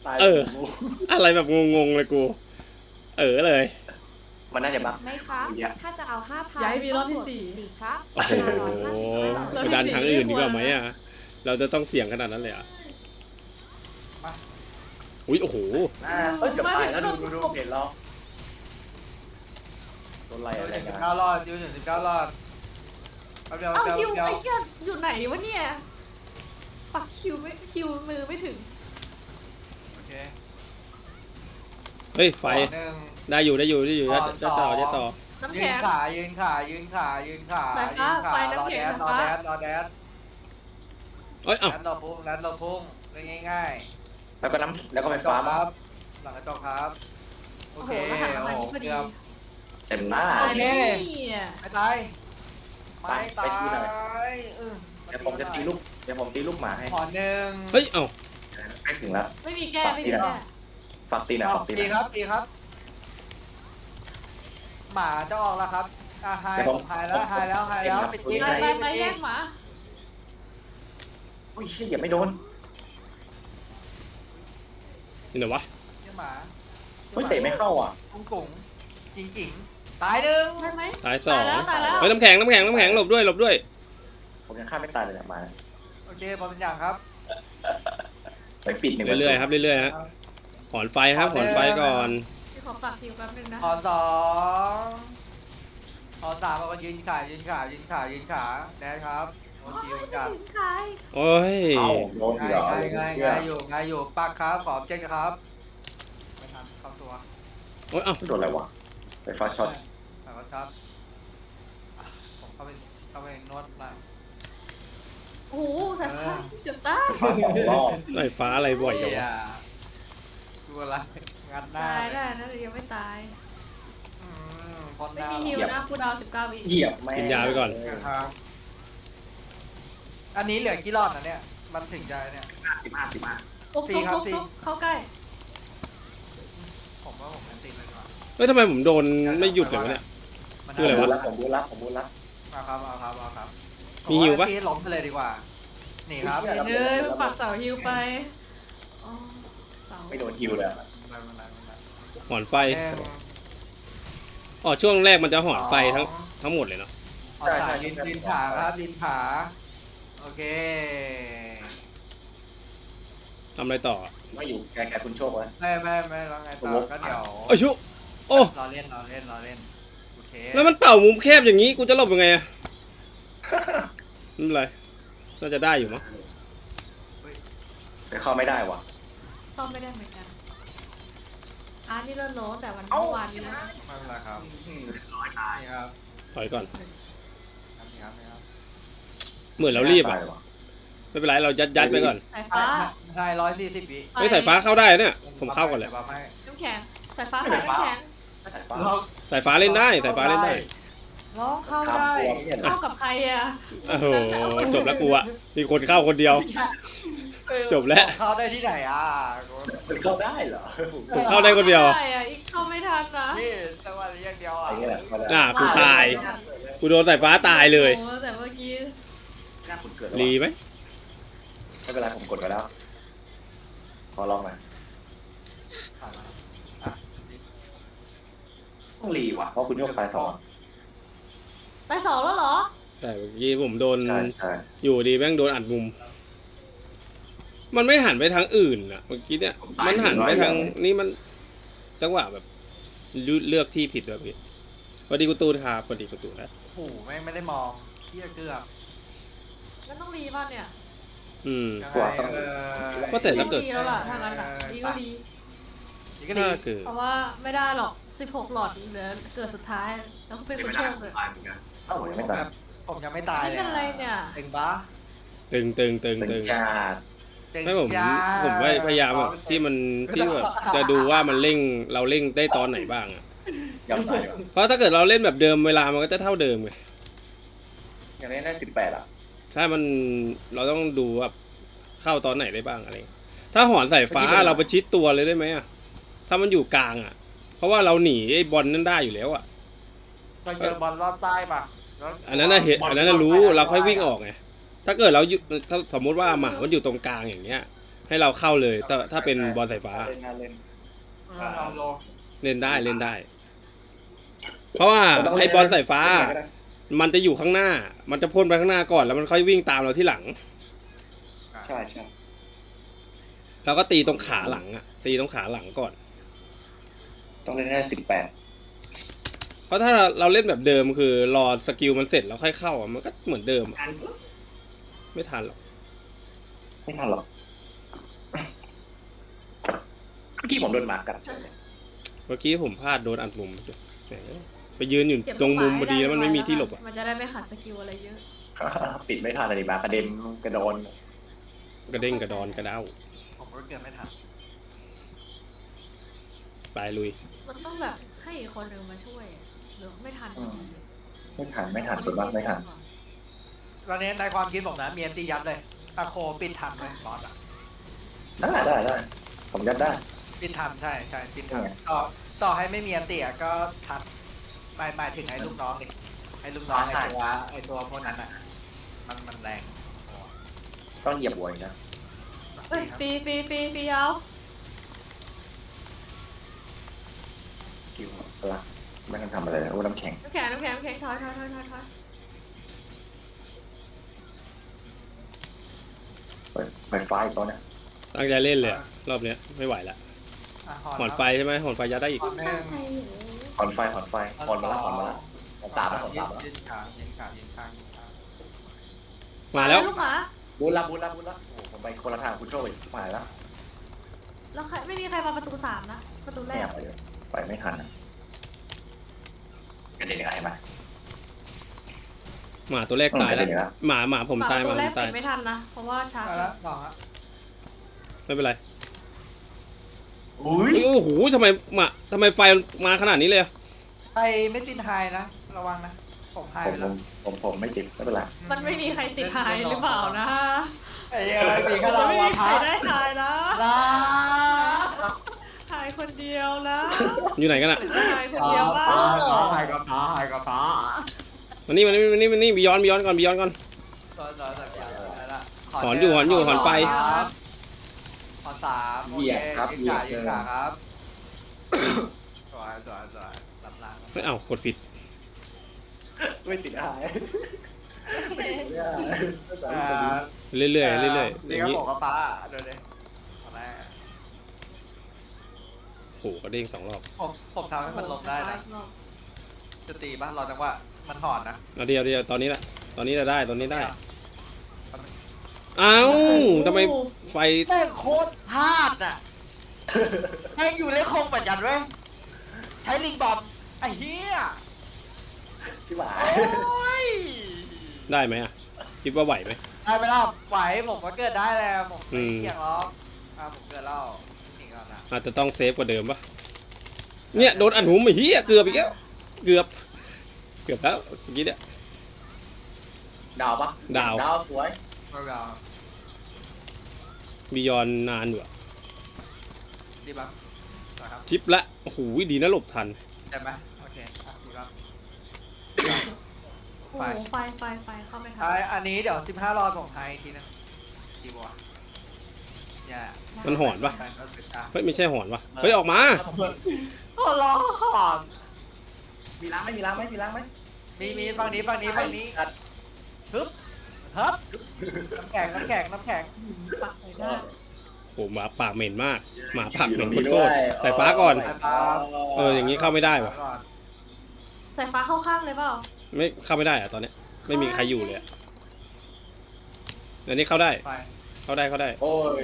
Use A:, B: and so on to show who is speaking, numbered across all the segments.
A: เอออะไรแบบงงๆเลยกูเลย
B: มันน่าจะบัก
C: ไม่ครับถ้าจะเอา5,000
D: อย่าให้มีรอบที่สี่
C: ครับ
A: โอ้โห
D: เรา
A: ไป
D: ที่
A: ดัน
D: สี่
A: ทางอื่น
D: ไม่
A: ดี
D: ควร
A: กว่าไหมอ่ะเราจะต้องเสี่ยงขนาดนั้นเลยอ่ะอุ้ยโอ้โห
B: เกือบตายแล้วดูเห็นแล้วโดนไล่อะไรกัน
E: 19 รอดยืนถึง19 รอดเดียว
D: เอา
E: เดียว
D: คิว
E: เดียว
D: ไอ้เหี้ยอยู่ไหนวะเนี่ยปักคิวมือไม่ถึง
E: โอเค
A: เฮ้ยไฟ
E: หนึ่ง
A: ได้อยู่จะต่อ
D: น้ำ
E: ยื
D: แข็
E: น
D: ง
E: ขายืนขายืนขายืนขา
D: สายฟ้าไฟน้ำแข็ง
E: รอ
D: สาย
E: แด
D: ฟ้า
E: ดรอแดด
A: เอ้ยเอ้า
E: แดดรอพุ่งแดดรอพุ่งเล่นง่าย
B: แล้วก็น้ำแล้วก็ไฟ
E: ๆ
B: ฟ้า
E: ค
B: มา
E: รับหลังกระจกครับโอ
D: โอ้โห
E: เค
D: รหัสประมาณ
E: โอ้
D: นี้พอดี
E: เกือบ
B: เต็มหน้า
E: โอเค
D: เนี่ย
E: ไม่ตายไม่ตาย
B: เดี๋ยวผมจะตีลูกหมาให้
E: ขอหนึ่ง
A: เฮ้ยเอ้า
B: ใกล้ถึงแล้ว
D: ไม่มีแก้ไม่มีแก้
B: ฝากตีหน่อยฝากตีห
E: ตี
B: น่อย
E: ครับตีครับ หมาจะออกแล้วครับไฮผมไฮแล้วปิดยิง
D: ไปแยกหมา
B: โอ้ยเชี่ยอย่าไม่โดน
A: นี่ไหนวะ
E: เจ้าหมา
B: เฮ้ยเตะไม่เข้าอ่ะ
E: กุ้งจริงตายหนึ่ง
D: ได้ไหม
A: ตายสอง
D: ตายแล้ว
A: เฮ้ยน้ำแข็งหลบด้วย
B: ผมยังฆ่าไม่ตายเลยเนี่ยมา
E: โอเคพอเป็นอย่างครับ
B: ไปปิดหนึ่ง
A: เรื่อยๆครับเรื่อยๆฮะหอนไฟครับหอนไฟก่อน
D: พี่ขอปักคิวแป๊บนึงนะ
E: ขอสองขอสามเอายืนขาแดนครับโอชิวจัด
D: ถึงใคร
A: โอ้ย
B: เอ้าโดนเหรอ
E: ง่ายอยู่ปักครับขอบเจ็ดครับไม่ทันเข้าตัว
A: โอ้ยเอ้า
B: โดนอะไรวะไฟฟ้าช็อต
E: แต่ก็ช็อตผมเข้าไปนวดหน่อย
D: โอ้โหสายฟ้าเกือบตาย
B: ไฟฟ้าสองรอบ
A: ไฟฟ้าอะไรบ่อยจังวะ
E: ดูอะไรงัดหน้า
D: ตายได้นะแต่ยังไม่ตาย
E: พอนห
D: ไม่
E: น้า
D: มีฮิวนะคูดาว19 วิ
B: เหยียบแม่
A: กินยาไปก่อน
E: ครับอันนี้เหลือกี่รอบนะเนี่ยมันถึงใจเนี่ย
B: 15
D: ทุบเข้าใกล้
E: ผมว่าผมเป็นติดเลยก่อน
A: เฮ้ยทำไมผมโดนไม่หยุดเลยวะเนี่ย คืออะไรวะ
B: ผมบูรับ
E: เอาครับ
A: มีฮิวปะ
E: ผมาล้มไปเลยดีกว่า นี่ครับ
B: ไม่
D: เอ้ยปักเสาฮิวไปอ๋อเสา
B: ไม่โดนฮิวเลย
A: หอนไฟอ๋อช่วงแรกมันจะหอนไฟทั้งหมดเลยเนาะ
E: ใช่ลินขาครับลินขา โอเค
A: ทำอะไรต่อ
B: ไม่อยู่แกคุณโชคแล้ว
E: ไม่แล้วไงต่อก็เดี๋ยว
A: โอ้ยชุโอ้
E: รอเล่นโอเค
A: แล้วมันเป่ามุมแคบอย่างนี้กูจะหลบยังไงอะไม่เป็นไรน่าจะได้อยู่มั้ง
B: ไปเข้าไม่ได้ว่ะ
D: ต้องไม่ได้เหมือนกันนี่เลิศโลแต่วัน
B: เอ้า
D: เมื่อวานนี้นะ
E: ไม่เป็นไรครับนี่ครับ
A: ถอยก่อน
E: นี่ครับ
A: เหมือนเรารีบอะไม่เป็นไรเรายัดไปก่อน
D: สายฟ้า
E: ใช่140 วิ
A: เฮ้ยสายฟ้าเข้าได้เนี่ยผมเข้าก่อนเลย
E: บัฟให้
D: น้ำแข็งสายฟ้าน้ำแข็ง
B: สายฟ้า
A: สายฟ้าเล่นได้สายฟ้าเล่นได้
E: ร้องเข้าได้
D: เข้ากับใครอ่ะ
A: โอ้โหจบแล้วกูอะมีคนเข้าคนเดียว จบแล้ว
E: เข้าได้ที่ไหนอ่ะ
B: มันเข้าได้เหรอ
A: ผมเข้าได้คนเดียว
D: ใช่อ่ะอีกเข้าไม่ทันนะ
E: นี่จังหวะนี้อย่างเดียวอ่ะ
B: ไอ้เงี้ยแหละ
A: กูตาย กูโดนสายฟ้าตายเลย
D: โอ้แต่เมื่อกี้
B: หน้าคุณเกิด
A: รีไหม
B: ไม่เป็นไรผมกดไปแล้วขอลองหน่อยต้องรีว่ะเพราะคุณโยกไปสอง
D: ไปสองแล้วเหรอ
A: แต่เมื่อกี้ผมโดน
B: ใช่
A: อยู่ดีแม่งโดนอัดมุม มันไม่หันไปทางอื่นอะเมื่อกี้เนี่ย มันหันไปทางนี่มันจังหวะแบบเลือกที่ผิดแบบนี้พอดีกูตูนครับพอดีกูตูนแล้ว
E: โอ้โหไม่ได้มองเคี้ยเกือบ
D: มันต้องรีบ้านเนี่ย
A: อืม
E: ยังไง
A: ก็แต่ถ้าเกิด
D: ดีแล้วล่ะทางนั้นอ่ะดีก็ดี
E: ดีก็ดี
A: ถ้าเกิด
D: เพราะว่าไม่ได้หรอก16หลอดเหลือเกิดสุดท้าย แล้วก็เป็นคนโชคเลย
B: เอ้าผมยังไม่ตาย
E: ผมยังไม่ตาย
D: นี่
E: เลย
D: เป็นอะไรเนี่ย
E: ตึงปะ
A: ตึง
B: เป็นชาติ
A: ไม่ผมพยายามแบบที่มันที่แบบจะดูว่ามันเร่งเราเร่งได้ตอนไหนบ้างอะ
B: ยอมตายดีกว่า
A: เพราะถ้าเกิดเราเล่นแบบเดิมเวลามันก็จะเท่าเดิมไง
B: อย่างนี้ได้18อ่ะ
A: ถ้ามันเราต้องดูว่าเข้าตอนไหนได้บ้างอะไรเงี้ยถ้าหอนสายฟ้าเราประชิดตัวเลยได้ไหมอะถ้ามันอยู่กลางอะเพราะว่าเราหนีไอ้บอลนั่นได้อยู่แล้วอะ
E: เราเจอบอลรอบใต้ปะ
A: อันนั้นน่ะเห็นอันนั้นน่ะรู้เราค่อยวิ่งออกไงถ้าเกิดเราอยู่ถ้าสมมุติว่าหมามันอยู่ตรงกลางอย่างเงี้ยให้เราเข้าเลยถ้าเป็นบอลสายฟ้า
B: เล่นงานเล่น
E: ลองดู
A: เล่นได้เล่นได้ เพราะว่าไอ้บอลสายฟ้า มันจะอยู่ข้างหน้า มันจะพ่นไปข้างหน้าก่อนแล้วมันค่อยวิ่งตามเราที่หลัง
B: ใช่ใช่
A: เราก็ตีตรงขาหลังอ่ะ ตีตรงขาหลังก่อน
B: ต้องเล่นให้18
A: เพราะถ้าเราเล่นแบบเดิมคือรอสกิลมันเสร็จแล้วค่อยเข้าอ่ะมันก็เหมือนเดิมอะไม่ทันหรอก
B: ไม่ทันหรอกเมื่อกี้ผมโดนหมากัด
A: เมื่อกี้ผมพลาดโดนอัดมุมแหมไปยืนอยู่ตรงมุมพอดีแล้วมันไม่มีที่หลบอ่ะ
D: มันจะได้ไม่ขัดสกิลอะไรเยอะ
B: ปิดไม่ทันเลยหมากระเด็นกระโดน
A: กระเด้งกระดอนกระเด้า
E: ผมก็เกือบไม่ทัน
A: ตายลุย
D: มันต้องแบบให้อีกคนหนึ่งมาช่วยอะหรือไม่ทัน
B: ไม่ทันส่วนมากไม่ทัน
E: ตอนนี้ในความคิดผมนะเมียนตียัดเลยตะโคปิดทันเลยบอสอะ
B: ได้ผมยัดได้
E: ปิดทันใช่ปิดทัน
B: ไง
E: ต่อให้ไม่มีอันเตียก็ทันหมายถึงไอ้ลูกน้องดิไอ้ลูกน้องไอ้ตัวพวกนั้นอ่ะมันแรง
B: ต้องเหยียบหัวอีกนะ
D: เฮ้ยฟรีเอา
B: คิวละไม่ต้องทำอะไรเลยโอ้น้ำแข็ง
D: น้ำแข็งถอย
B: ไฟฟ้าอีกตัวเนี่ย
A: ตั้งใจเล่นเลยอะรอบเนี้ยไม่ไหวละหอนไฟใช่ไหมหอนไฟยัดได้อีก
E: หอนแม่ง
B: หอนไฟหอนมาละหอนตามแล้ว
E: ยืนขายืนขา
A: มาแล้ว
D: ลูกหมา
B: บูนละโอ้ผมไปคนละทางคุณโชคไปผ่านแล้ว
D: แล้วใครไม่มีใครมาประตู3นะประตูแร
B: ไม่
D: ก
B: อยากไปเลยไปไม่ทันกระเด็นยังไงมา
A: หมาตัวแรกตายแล้ว
B: กระเด็นแล้ว
A: หมาผมตาย
D: ประ
A: ห
D: ตู
A: มา
D: แร
A: ผ
D: ก
A: มตา
D: ปิ
A: ย
D: ดไม่ทันนะเพราะว่าช้า
E: เอาละต่อฮะ
A: ไม่เป็นไร
B: อุ้ย
A: โอ้โหทำไมไฟมาขนาดนี้เลยอะ
E: ใครไม่ติดไฮนะระวังนะผมไฮไปแล้ว
B: ผมไม่ติดไม่เป็นไร
D: มันไม่มีใครติดหายหรือเปล่านะ
E: ไอ้อะไรปีก็
D: มัน
E: เรา
D: ไม่
E: วะ
D: มีใค
E: พั
D: ร
E: ก
D: ได้หายนะ
E: นะ
D: หายคนเดียวนะ
A: อยู่ไหนกันอะ
D: หรือจะหายคนเดียวบ้าง
E: ไฮกับพ้า
A: มานี่บียอนก่อน
E: ต่อละ
A: หอนอยู่หอนไฟ
E: หอน3โอเคยืนขาครับสวยรับล้าง
A: ไม่เอากดผิด
B: ไม่ติดหาย
A: เรื่อยๆอย่าง
E: นี่ก็
A: นี้
E: บอกกับป้าเดี๋ยวเลยแรก
A: โอ้โหกระเด้ง2 รอบ
E: ผมทำให้มันลงได้นะจะตีป่ะรอจังหวะมันหอนนะ
A: เอาเดียวตอนนี้จะได้ตอนนี้ได้เอ้าทำไมไฟ
E: แม่งโคตรพลาดอ่ะแม่งอยู่เล่นคงเหมือนกันเว้ยใช้ลิงบอมไอ้เหี้ย
B: ที่หมา
E: โอ้ย
A: ได้ไหมอะคิดว่าไหวไหม
E: ได้ไปแล้วไหวผมก็เกิดได้แล้วผม
A: อื
E: ไม่
A: ม
E: เกี่ยงหรอกผมเกิดแล้วนี่ก่อนนะ
A: อาจจะต้องเซฟกว่าเดิมปะเนี่ยโดนอันหุมไอ้เหี้ยเกือบอีกแล้วเกือบแล้วเมื่อกี้เนี่ย
B: ดาวปะ
A: ดาว
B: สวย
E: เอาเอา
A: บียอนนานอยู่อะ
E: ดีป่ะนะครับ
A: ชิปละโอ้โหดีนะหลบทัน
E: ได้ไหมโอเคดีป่ะ
D: โอ้โหไฟเข้าไม่ทัน
E: อันนี้เดี๋ยว15รอบผมให้ทีนึงจีบัวเนี่ย
A: มันหอนปะ
E: ไปก็สุดท้าย
A: เฮ้ยไม่ใช่หอนปะเฮ้ยออกมา
E: โอ้ร้องหอน
B: มีล้างไหม
E: มีฝั่งนี้ฮึบน้ำแข็ง
D: ปักใส่ได้
A: โอ้หมาปากเหม็นมากหมาปากเหม็นโคตรๆสายฟ้าก่อน อย่างนี้เข้าไม่ได้วะ
D: สายฟ้าเข้าข้างเลยเปล่า
A: ไม่เข้าไม่ได้อะตอนเนี้ยไม่มีใครอยู่เลยอะเดี๋ยวนี้เข้าได้
E: ไฟ
A: เข้าได้
B: โอ้ย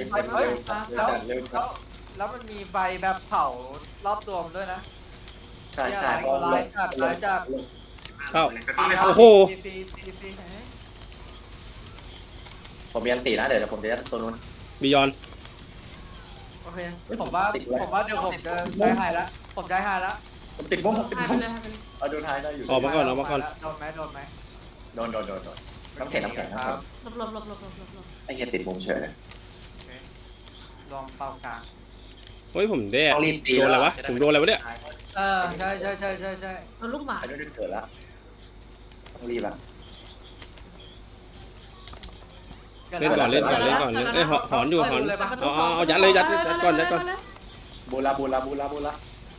E: แล้วมันมีไฟแบบเผารอบตัวผมด้วยนะ
B: ใช่
E: ร้ายจัด
A: เข้า โอ้โห
E: ฟรี
B: ผมมีอันตีนะเดี๋ยวผมจะยัดตัวนู้น
A: บียอน
E: โอเคผมว่าเดี๋ยวผมจะได้ไฮแล้วผมได้ไฮแล้ว
B: ผมติดมุม
D: หายไปเลย
B: เอาดูท้ายได้อยู่
A: ออกมาก่อน
E: โดนไหม
B: โดนน้ำแข็ง
D: หลบ
B: ไอ้เหี้ยติดมุมเฉยเลย
E: ลองเป่ากลาง
A: เฮ้ยผมแด้
B: ต้องรีบตี
A: โดนอะไรวะผมโดนอะไรวะเนี่ย
E: ใช่
D: โดนลูกหมา
B: ไอ้นู้นเกิดแล้วต้องรีบละ
E: ก
A: เล่นก่อนเล่นก่อนเล่นก่อนเอ้ยหอนอยู่หอนเอายัดเลยยัดก่อนยัดก่อน
B: บูลาบูลาบูลาบูลา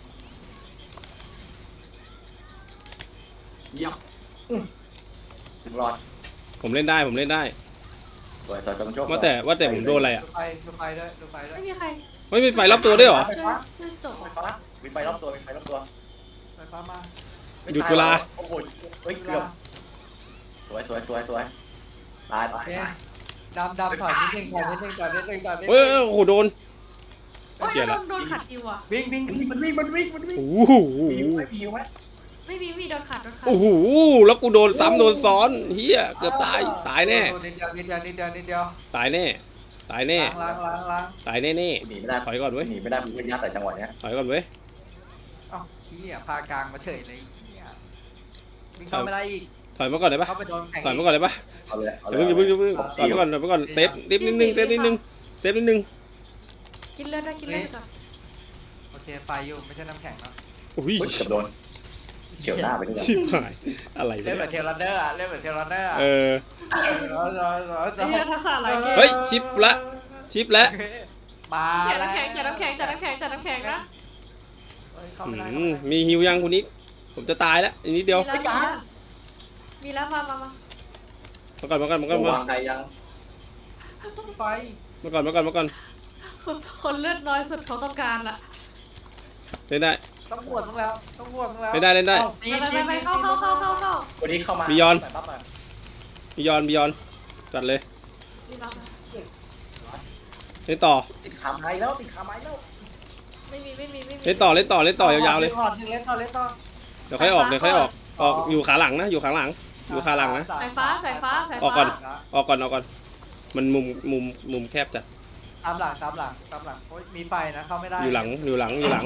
B: เยี่ยมถึงรอด
A: ผมเล่นได้ผมเล่นได้
B: สวยสวยจงโชค
A: ว่าแต่ผมโดนอะไรอ่ะ
E: ดูไฟด้วยดูไฟด้วย
D: ไม่มีใคร
A: ไม่มีไฟรอบตัวด้วยเหรอ
D: ช่วยจบ
B: ไฟฟ้ามีไฟรอบตัวมีไฟรอบตัว
E: ไฟฟ้ามา
A: หยุดเวลา
B: โอ้โหเฮ้ยเกือบสวยสวยสวยสวยตายตาย
E: โอเค
B: ตาย
E: ดำถอยนิดนึงถอยนิดนึงถอยนิดนึงถอยนิดนึง
A: เฮ้ยโอ้โหโดน
D: โอ้ย
A: เกลียดละ
D: โดนขัดคิวอ่ะ
E: วิ่ง
B: มันวิ่งมันวิ่งมันวิ่ง
A: โอ้โห
B: มีหิวไหมมีหิวไหม
D: ไม่มีโดนขัด
A: โอ้โหแล้วกูโดนซ้ำโดนซ้อนเฮียเกือบตายแน่
E: นิดเดียว
A: ตายแน่ตายแน่
E: ล้าง
A: ตายแน่
B: หนีไม่ได้
A: ถอยก่อนเว้ย
B: หนีไม่ได้ผมเป็นยัดแต่จังหวะเนี้ย
A: ถอยก่อนเว้ย
E: เอ้าขี้อ่ะพากลางมาเฉยเลยขี้อ่ะวิ่งเข้าไม่ได้อีก
A: ถอยมาก่อนได้ปะ
E: เข้าไปโดนแข่ง
A: ถอยมาก่อนได้ปะ
B: เอาเลยเอา
A: อ
B: เล
A: ย่าย เพิ่งถอยมาก่อนเซฟนิดนึงเซฟนิดนึง
D: กินเลือดได้กินเลือดก่อน
E: โอเคไฟอยู่ไม่ใช่น้ำแข็งเนาะ
A: โอ้ย
B: เฮ้ยเกือบโดนเฉียวหน้าไปนี่
A: ชิบหายอะไร
E: เล่นแบบ
A: วะ
E: เทเลเดอร์อ่ะเล่นแบบเทเลเดอร์อ่ะ
A: เออ
D: ไอ้เหี้ยทักษะอะไรเกม
A: เฮ้ยชิปละ
E: มา
D: จัดน้ำแข็งจัดน้ำแข็งนะ
E: เข้าไม่ได้
A: มีฮิวยังคุณนิกผมจะตายแล้วอีกนิดเดียว
D: มีแล้วมา
A: มาก่อน
B: วางใครยัง
E: ไฟ
A: มาก่อน
D: คนเลือดน้อยสุดเขาต้องการละ
A: เล่นได้
E: ต้องบวชมึงแล้วต้องบวชมึงแล้ว
A: เล่นได้
D: ไปเข้า
B: วันนี้เข้ามา
A: บิยอน
B: ใส่ปั๊บมา
A: บิยอนจัดเลย
D: นี่รับ
A: เล่นต่อ
B: ติดขาไม้แล้วติดขาไม้แล้ว
D: ไม่มี
A: เล่นต่อยาวๆเลย
E: เล่นต่อ
A: เดี๋ยวค่อยออกอยู่ขาหลังนะอยู่ขาหลังนะ
D: สายฟ้า
A: ออกก่อนมันมุมแคบจัด
E: ตามหลังโอ้ยมีไฟนะเข้าไม่ได้
A: อยู่หลังเลย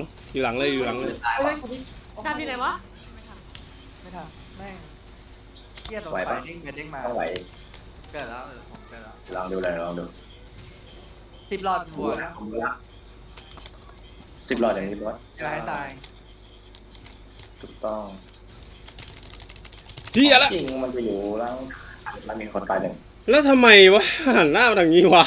E: เฮ้ย
D: ดำที่ไหนวะ
E: ไม่ทันแม่งเครียดตรงไฟเด้งมา
B: ต้องไหว
E: เกิดแล้วผมเกิดแล้ว
B: ลองดูเลยลองดู
E: 10 หลอดหัวนะ
B: 10 หลอดอย่างนี้ร้อย
E: จะให้ตาย
B: ถูกต้อง
A: เที่ยละ
B: จริงมันจะอยู่ล่างมันมีคนตายหนึ่ง
A: แล้วทำไมวะหันหน้ามาทางนี้วะ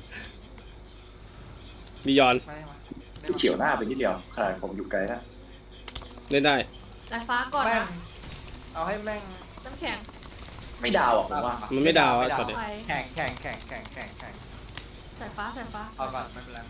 A: บิยอน
E: ไม่มา
B: เฉียวหน้าไปนิดเดียวขนาดผมอยู่ไกลนะ
A: เล่นได้
D: สายฟ้าก่อน
E: แม่ง
D: นะ
E: เอาให้แม่ง
D: น้ำแข็ง
B: ไม่ดาวอ่ะผมว่า
A: มันไม่ดาวอะช็อตเนี้ย
D: ไฟ
E: แข่ง
D: สายฟ้า
E: เอาก่อนไม่เป็นไร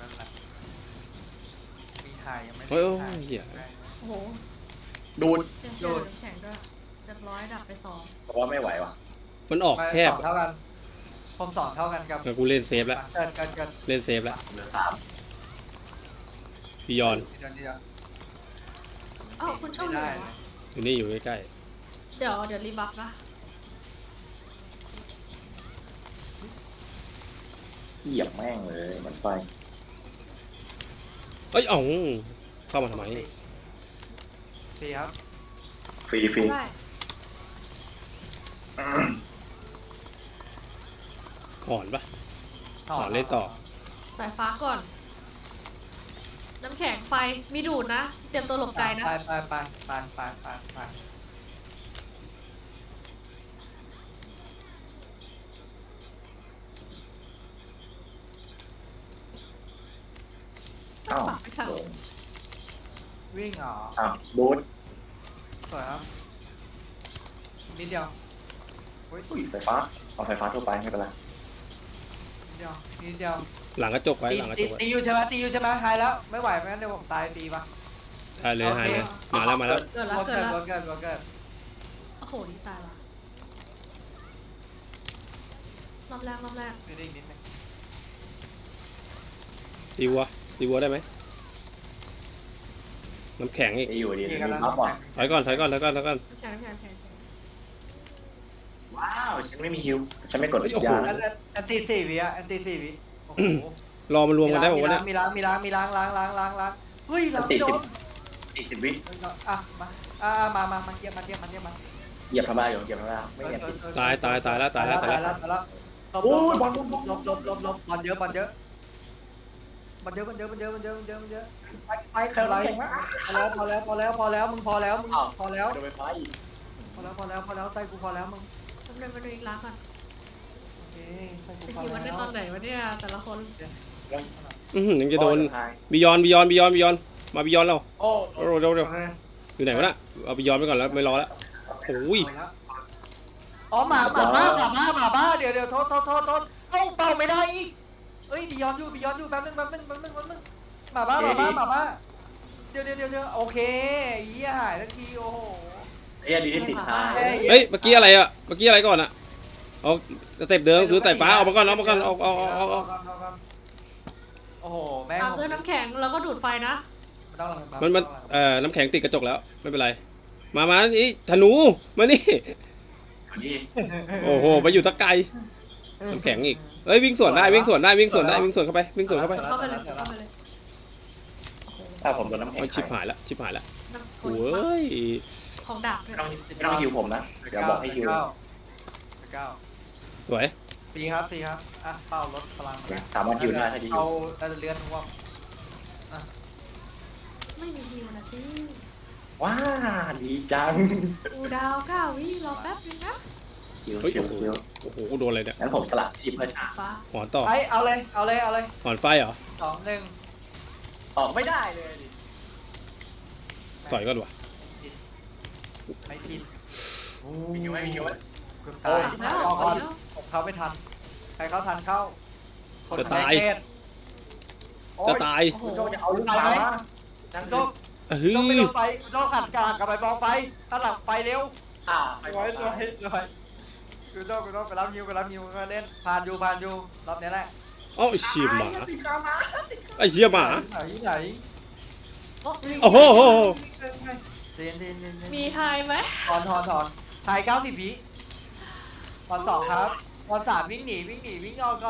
E: มีถ่ายยังไม่
A: โอ้ยเหี้ย
D: โอ้โห
B: ดูด
D: เชื่อน้ำแข็งด้วยเรียบร้อยดับไป2
B: เพราะว่าไม่ไหวว่ะ
A: มันออกแคบ
E: 2เท่ากันผม2เท่ากันกับ
A: งั้นกูเล่นเซฟแล้ว
E: เกิน
A: เล่นเซฟแล้ว
B: เหลือ3
A: บิยอน
E: เดี๋ยว
D: อ้าวคุณโชคดีเหรอ
A: อยู่นี่อยู่ใกล้
D: เดี๋ยวรีบัฟนะ
B: เหยียบแม่งเลยมันไฟ
A: เอ้ยอ๋องเข้ามาทำไม
E: ดีครับ
B: ฟรีฟรี
D: ได้
A: หอนปะ เล่นต่อ
D: สายฟ้าก่อน น้ำแข็งไฟมีดูดนะ เตรียมตัวหลบไกลนะ
E: ไป
B: อ้าว
D: ปักไม่ทัน
E: วิ่งเหรอ
B: อ้าวบูท
E: สวยครับนิดเดียว
B: อุ้ยไฟฟ้าเอาไฟฟ้าทั่วไปไม่เป็นไร
E: นิดเดียว
A: หลังกระจกไว้หลังกระจกไว้
E: ตีอยู่ใช่ไหมหายแล้วไม่ไหวไม่งั้นเดี๋ยวผมตายตีปะ
A: ได้เลยหายเลยมาแล้ว
D: เกิดแล้ว
E: วัวเกิด
D: โอ้โหนี่ตายละรอบแรก
E: นิดนึง
A: ตีวัวได้ไหมน้ำแข็งอีก
B: นี่อยู่ดี
E: นี่
B: มี
E: กันแล้ว
B: พับก่อน
A: ถอยก่อน
D: น้ำแข็ง
B: ว้าวฉันไม่มีฮิวฉันไม่กด
A: เฮ้ยโอ้โห
B: ยา
E: แอนตี้4 วิแอนตี้4 วิโอ้โห
A: รอมันรวมกันได้บอกว่าเนี่ย
E: มีล้างเฮ้ยล้าง
B: ติด
E: โด
B: 10 วิ
E: อ่ะมาเยี่ยมมา
B: เหยียบทำลายอยู่เหยียบทำลายไม่เหยียบติด
A: ตายแล้ว
E: โอ้ยบอลบอลเยอะ
B: ไปใครรับเก่งมาก
E: พอแล้วมึงพอแล้ว
B: โดนไฟฟ้าอีก
E: พอแล้วใส่กูพอแล้วมึง
D: มาดูอีกล้างก่อน
E: ใส่กู
D: จะ
E: พอ
D: อยู่มันได้
E: แล้ว
D: ตอนไหนวะเนี่ยแต่ละคน
A: ยังจะโดน
B: ทาย
A: บิยอนบิยอนบิยอนบิยอนมาบิยอนเรา
B: โอ้
A: เร็วอยู่ไหนวะน่ะเอาบิยอนไปก่อนแล้วไม่รอแล้วโอ้ย
E: อ๋อหมาบ้าเดี๋ยวโทษเอ้าเป่าไม่ได้อีกเอ้ยบียอนอยู่แป๊บนึงหมาบ้าเดี๋ยวโอเคเหี้ยหายทันทีโอ้โห
B: เอ้ยดีที่ติดทาย
A: เฮ้ยเมื่อกี้อะไรอ่ะเมื่อกี้อะไรก่อนอ่ะเอาสเต็ปเดิมคือสายฟ้าออกมาก่อนเอา
E: โอ้โหแม่ง
D: ตามด้วยน้ำแข็งแล้วก็ดูดไฟนะ
A: มันน้ำแข็งติดกระจกแล้วไม่เป็นไรมานี่ธนูมานี่
B: นี่
A: โอ้โหไปอยู่ตะไกลน้ำแข็งอีกเฮ้ยวิ่งสวนได้วิ่งสวนเข้าไปวิ่งสวนเข้าไป
D: เข้าไปเลยเข้าไปเลย
B: ถ้าผมโดนน้ำแข็ง
A: มันชิบหายละ
D: น้ำ
A: โอ้ย
D: ของดาบด้วย
B: ไม่ต้องหิวผมนะเดี๋ยวบอกให้หิว
E: เก้า
A: สวย
E: ตีครับอ่ะเป้าลดพลัง
B: สามารถหิวได้ถ้าดี
E: เอาเลื่อนท่วม
D: ไม่มีฮิวนะสิ
B: ว้าดีจัง
D: อูดาว9 วิรอแป๊บนึงนะ
B: หิว
A: เฮ้ย
B: หิว
A: โอ้โหโดนอะไรเนี่ย
B: งั้นผมสลับทีมเพื่อชา
D: ฟ้า
A: หอนต่อ
E: ไปเอาเลย
A: หอนไฟเหรอ
E: 2-1
B: ออกไม่ได้เลย
A: ต่อยก่อนวะ
E: ไม่ทิน
B: มีหิวไหม
E: คุณตาย
D: แล้ว
E: ก่อน
D: แล้ว
E: ผมเข้าไม่ทันใครเข้าทันเข้า
A: จะตาย
D: โอ้โห
B: โจจะเอาลูกตาจัง
E: โจ
B: โจ
A: เฮ้
E: โจไม่
A: ย
E: ลงไปโจขัดกลางกับไปมองไฟถ้าหลังไฟเร็ว
B: ไป
E: ร้อยคือโจไปรับฮิวก็เล่นผ่านอยู่รอบนี้แหละ
A: เอ้าไอ้เชี่ยหมาไอ้เชี่ยหมา
E: ไหน
A: โอ้โห
E: เรียน
D: มีไฮไหม
E: ถอนถ่าย90 วิตอน2ครับตอน3วิ่งหนีวิ่งเอาก่อน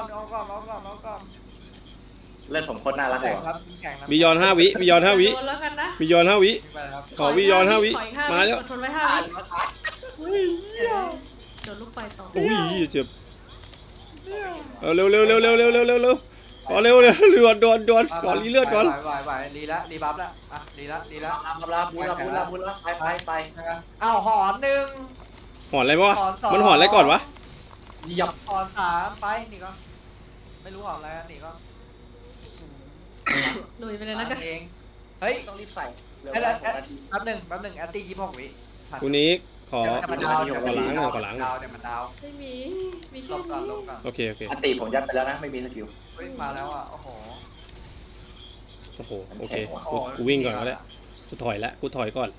B: เล่นผมโคตรน่ารักเล
E: แข่
B: ย
E: งครับแข่ง
A: บิยอน5 วิบิยอน5 วิ
D: โดนแล้วกันนะ
A: บิยอน5 วิ
E: ไปครับ
A: ขอบิยอน5 วิ
D: ขออีก5
A: มาแล้ว
D: อดทนไว้5 วิโดนลูกไฟต่อ
A: อุ้ยเจ็บเอาเร็วขอเร็วด่วนขอรีเลือดก่อน
E: ไหวรีละรีบัฟละอ่ะรีละ
B: ลาบุญไป
E: อ้าวหอนหนึ่ง
A: หอนอะไรวะ
E: หอนสอง
A: มันหอนอะไรก่อนวะ
B: เหยียบ
E: หอน3ไปนี่ก็ไม่รู้หอนอะไรนี่ก็
D: ลุยไปเลยแล้วกัน
E: เองเฮ้ย
B: ต้องรีบใส่เร็ว
E: แป๊บหนึ่งแอตตี้26 วิ
A: กูนี้ขอ
E: เดี๋ยวมันดาว
A: ขอล้างหน่อยขอล้างหน่อย
E: เดี๋ยวมันดาว
D: ไม่มีมี
E: ล
D: แค่
E: บก่อน
D: นี้
A: โอเค
B: อันตีผมยัดไปแล้วนะไม่มีสกิล
E: เฮ้ยมาแล้วอ่ะโอ้โห
A: โอ้โหโอเคกูวิ่งก่อนก็ได้กูถอยก่อน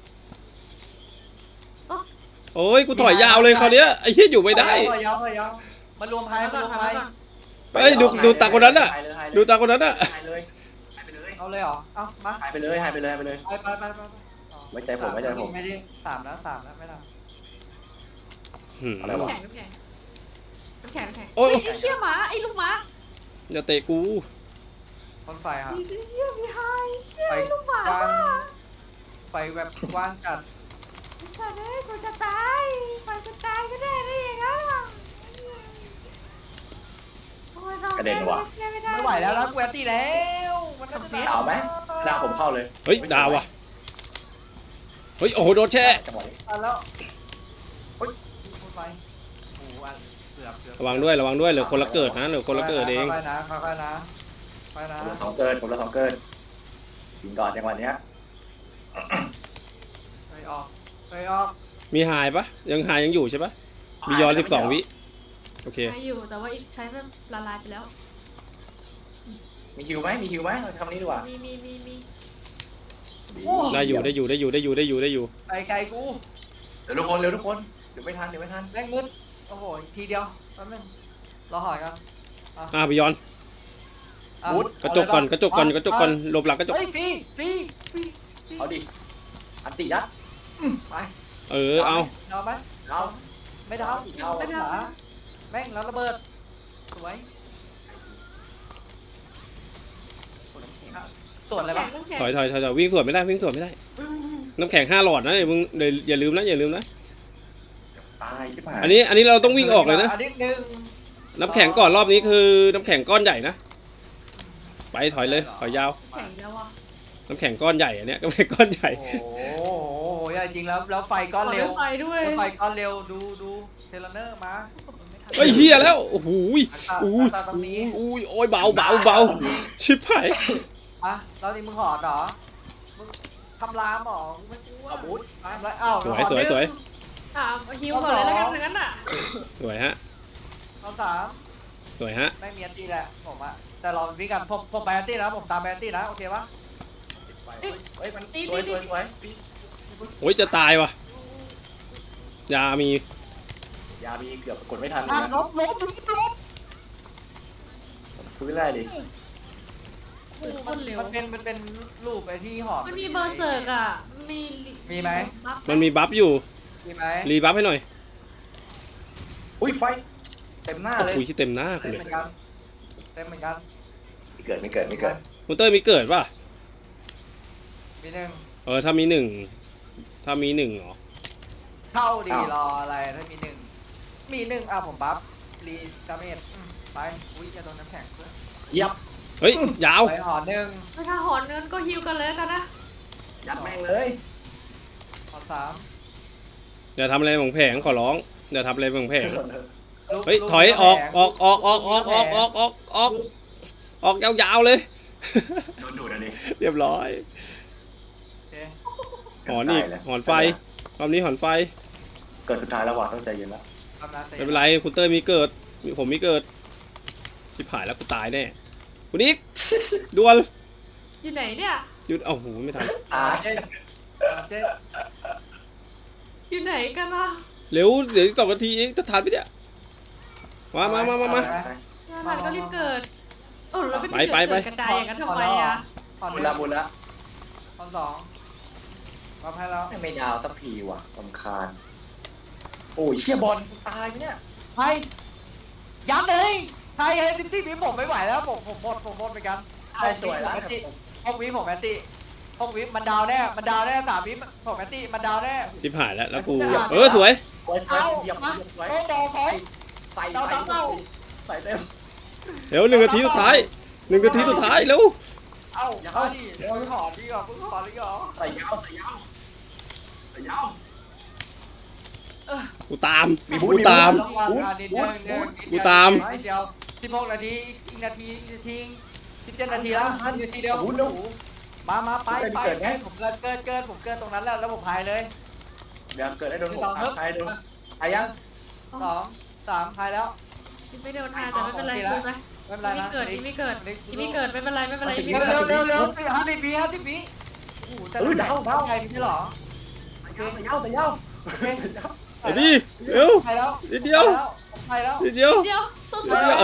A: โอ้ยกูถอยยาวเลยคราวเนี้ยไอ้เหี้ยอยู่ไม่ได้
E: ยาวมารวมไพ่
D: ก่อน
A: เฮ้ยดูตาคนนั้นน่ะดูตาคนนั้นน่ะ
B: หายเลย
E: เอาเลยเหรอเอามา
B: หายไปเลย
E: ไป
B: ไปไว้ใจผม
E: ไม่ได้3แล้วไม่ได้
B: อะไร
D: น้ำ
B: วะ
D: แข็ง
A: โอ้ย
D: ไอ้เชี่ยหมาไอ้ลูกหมา
A: อย่าเตะกู
E: คนไฟครับ
D: ไอ้เชี่ยมีไฮเชี่ย
E: ไฟ
D: ไอ้ลูกหมาก
E: ว้างไฟแบบกว้างจัด
D: ไอ้สัตว์เอ้ยกูจะตายไปจะตายก็ได้ได้ยังไงล่ะโอ้ยไม่ได้
E: ไม่ไหวแล้วนะกูแอนตี้แล้วมันน่าจะ
B: ดาวไหมดาวผมเข้าเลย
A: เฮ้ยดาวว่ะเฮ้ยโอ้โหโดนแช่
B: จังหวะนี้
E: แล้วเฮ้ยคนไฟโอ้โหเกือบ
A: ระวังด้วยเหลือคนละเกิดนะเหลือคนละเกิดเอง
E: ค่อยๆนะค่อยๆนะไปนะ
B: ผมละ2 เกินยิงก่อนจังหวะเนี้ย
E: ไปออก
A: มีหายปะยังหายยังอยู่ใช่ปะบิยอน12 วิโอเค
D: ใช้อยู่แต่ว่าอีกใช้แบบละลายไปแล้ว
B: มีฮิวไหมคำนี้ดีกว่า
D: มี
A: ได้อยู่
E: ไกลกู
B: เร็วทุกคนเดี๋ยวไม่ทัน
E: แรงมืดโอ้โหทีเดียวแป๊บนึงรอหอยกัน
A: บิยอนกระจกก่อนหลบหลังกระจก
E: เฮ้ยฟรี
B: เอาดิอันติยัดไป
A: เอา
E: ดาวไหม
B: เอา
E: ไม่ดาวไม่ดาวแม่งแล้วระเบิดสวยส่วนอะไรบ้าง
A: ถอยวิ่งสวนไม่ได้น้ำแข็ง5 หลอดนะอย่าลืมนะ
B: ตายชิบหาย
A: อันนี้เราต้องวิ่งออกเลยนะ
E: อันนี้หนึ่ง
A: น้ำแข็งก่อนรอบนี้คือน้ำแข็งก้อนใหญ่นะไปถอยเลยถอยยาว
D: แข็งแล้วอ่ะ
A: น้ำแข็งก้อนใหญ่อันเนี้ยก็เป็นก้อนใหญ่
E: โอ้โหใหญ่จริงแล้วไฟก้อนเร็ว
D: ไฟด้วย
E: ไฟก้อนเร็วดูเทเลเนอร์มา
A: เฮ้ยเฮียแล้วโอ้โหย
E: ตา
A: โอ้ย
E: ตาตรงนี้
A: โอ้ยโอ้ยเบาเบาเบาชิบหาย
E: อ่ะแล้วนี่มึงหอดเหรอมึงทำรามเหรอมึงไม่กลัวบูททำไรอ้าว
A: สวยสวยสวย
D: อ่ะฮิวก่อนเลยแล้วกันอย่างนั้นอ่ะ
A: สวยฮะ
E: เอาสาม
A: สวยฮะ
E: ไม่มีอันตีแหละผมอะแต่เราวิ่งกันผมไปอันตีนะผมตามไปอันตีนะโอเคปะ
B: เฮ้ยมันสวยสวยสวย
A: โอ้ยจะตายวะยามี
B: ยาบีเกือบกดไม่ทัน
E: อ่ะ
B: นะ
E: ลบ
B: ฟื้นได้ดิ
D: โอ้โหคนเร็ว
E: มันเป็นรูปไอ้ที่หอด
D: มันมีเบอร์เซิร์กอ่ะมี
E: มีไหม
D: บัฟ
A: มันมีบัฟอยู่
E: มีไหม
A: รีบัฟให้หน่อย
B: อุ้ยไฟเต็มหน้าเลย
A: อุ้ยที่เต็มหน้ากู
E: เต็ม
A: เลย
E: เหมือนกันเต็มเหมือนกัน
B: ไม่เกิดไม่เกิดไม่เกิด
A: คุณเต้ยมีเกิดป่ะ
E: มีหนึ่ง
A: ถ้ามีหนึ่งถ้ามีหนึ่งเหรอ
E: เข้าดีรออะไรถ้ามีหนึ่งมีหนึ่งอ่ะผมบัฟรีดาเมจไปอุ้ยจะโดนน้ำแข็งเพื่อน
B: เยับ
A: เฮ้ยยาว
E: ไปหอหนึ่ง
D: ถ้าหอนเงินก็ฮิวกันเลยแล้วกันนะ
B: ยัดแม่งเลย
E: หอสาม
A: อย่าทำอะไรของแผงขอร้องอย่าทำอะไรของแผง
E: ลุก
A: เฮ้ย
E: ลุก
A: ถอย
E: ลุก
A: ออก
E: แผง
A: ออกออกออกออกออกออกออกออกออกยาวๆเลย
B: โดนดูดอ่ะดิ
A: เรียบร้อย
E: โอเค
A: หอนอีกหอนไฟรอบนี้หอนไฟ
B: เกิดสุดท้ายแล้วว่ะต้องใจเย็นแล้ว
E: ทำนะ
A: ไม่เป็นไรคุณเต้ยมีเกิดผมมีเกิดชิบหายแล้วกูตายแน่คุณนิกดวล
D: อยู่ไหนเนี่ย
A: หยุดเอ้าหูไม่ทัน
E: เจ๊เจ๊
D: อยู่ไหนกันวะ
A: เร็วเดี๋ยวอีก2 นาทีเองจะทันไหมเนี่ยมา
D: งานหลังก็รีบเกิดโอ้เราไม่
A: ไป
D: เกิดกระจายอย่างนั้นทำไมอ่ะ
E: หอห
B: บุ
E: นึ่
B: ญ
E: ง
B: ละบุญละ
E: หอสองบัฟให้แล้ว
B: ไม่ดาวสักทีว่ะรำคาญโอ้ยเชี่ยบอลตายเนี่ย
E: ไทยยัดเลยไทยให้ที่นี้ผมไม่ไหวแล้วผมหมดเหมือนกัน
B: ตายสวยแล้ว
E: ห้องวิผมแอนตี้ห้องวิมันดาวแน่3 วิผมแอนตี้มันดาวแน่
A: ชิบหายแล้วกูสวย
B: ไว้
E: เอา
B: เหยียบ
E: มา
B: ไว้
E: โอ้ดอกของ
B: ใส่
E: ดาวเต้า
B: ใส่เต็ม
A: เร็ว1 นาทีสุดท้าย1 นาทีสุดท้ายเร็ว
E: เอาเอาดิมึงขอดีกว่ามึงขอดีกว่า
B: ใส่ยาวใส่ยาวใส่ยาว
A: กูตาม
B: มีบูธ
A: กูตาม กูตาม
E: เดียว16 นาทีอีกนาที17 นาทีแล้วนาทีเดียว
B: บูธเร็ว
E: มาไป
B: เกิดไง
E: ผมเกิดผมเกิดตรงนั้นแล้วผมพายเลย
B: เดี๋ยวเกิดได้โดนผมใครโดนใครยัง
E: 2 3พายแล้ว
D: ไม่เดินทางแต่ไม่เป็นไรดูไหม
E: ไม่เป็นไร
D: ที่
E: นะ
D: เกิดที่ไม่เกิดที่ไม่เกิดไม่เป็นไรไม่เป็นไร
E: เร็ว50 วิโอ้โหแต่ดาวไงพี่หรอ
B: ใส่ยาวใส่ยาว
A: ไอ้ดิเร็ว
E: ไปแล้ว
A: นิดเดียว
E: ไปแล้ว
A: นิดเดียว
D: เดียวสู้
A: นิดเดียว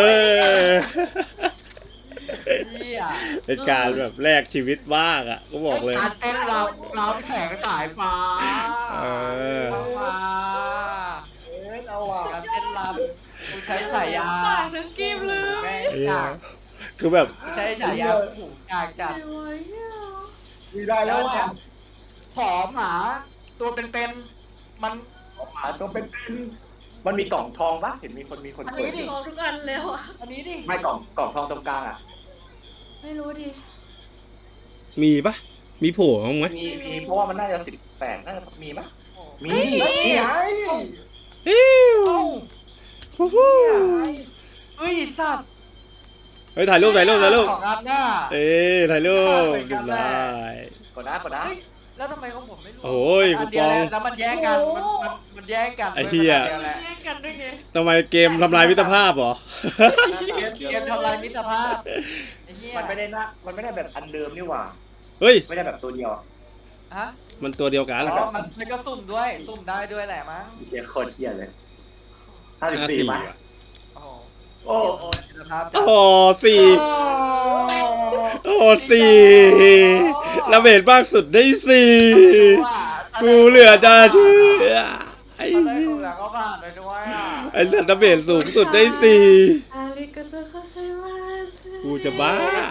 E: เฮีย
A: เป็นการแบบแลกชีวิตบ้างอ่ะก็บอกเลย
E: การเต้นเราแข่งสายฟ้ามา
B: เอาว่ะ
E: การเต้นรำกูใช้สายยา
D: ต่างทั้งกีมเลย
E: แม่
A: ไอ้เหี้
E: อย ยาก
A: คือแบบ
E: ใช้สายยาผูกอยากจัด
D: ไม่ไหวอ่ะ
B: มีได้แล้วว่ะ
E: ผอมหมาตัวเป็นๆมัน
B: หมาตัวเป็นมันมีกล่องทองปะเห็นมีคน
E: อัน
B: เปิ
E: นี้
B: ด
E: ดิ
D: มองทุกอันแล้วอ่ะ
E: อันนี้ดิ
B: ไม่กล่องทองตรงกลางอ่ะ
D: ไม่รู้ดิ
A: มีปะมีโผล่บ้างไหม
B: มีเพราะว่ามันน่าจะ18น่าจะมีมั้ยมีไง
A: ฮิว
E: เอ้า
A: ฮู้ฮู้
E: เฮ้ยสัตว์
A: เฮ้ยถ่ายรูป
E: ของอันหน้า
A: ถ่ายรูปเรียบร้อย
B: กดนะ
E: เฮ้ยแล้วทำไมของผมไม่รู้
A: โอ้ย
E: อันเดียว
A: คูปอง
E: แล้วมันแย่งกันมันแย่งกัน
A: ไอ้เหี้ย
D: แย่งกันด้วยไง
A: ทำไมเกมทำลายมิตรภาพเหรอ
E: เกมทำลายมิตรภาพไอ้เหี้ย
B: มันไม่ได้แบบอันเดิมนี่หว่า
A: เฮ้ย
B: ไม่ได้แบบตัวเดียว
E: ฮะ
A: มันตัวเดียวกัน
E: อ๋อมันก็สุ่มด้วยสุ่มได้ด้วยแหละมั้ง
B: เหี้ยโคตรเหี้ยเลย54มั้ย
E: โอ้โห
B: โอ้
E: มิตรภาพ
A: โอ้โหสี่โอ้โหสี่ระเบิดมากสุดได้สี่กูเหลือจะเชื่อไอ้
E: ตอนแรกกูอยากเขาผ่านไปด้วยอ่ะ
A: ไอ้ระเบิดสูงสุดได้สี่
D: อาริกาโตโกไซมาส
A: กูจะบ้า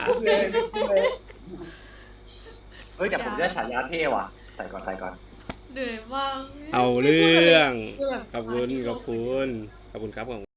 B: เฮ้ยแต่ผมได้ฉายาเท่ว่ะใส่ก่อน
D: เหนื่อยมาก
A: เอาเรื่องขอบคุณครับ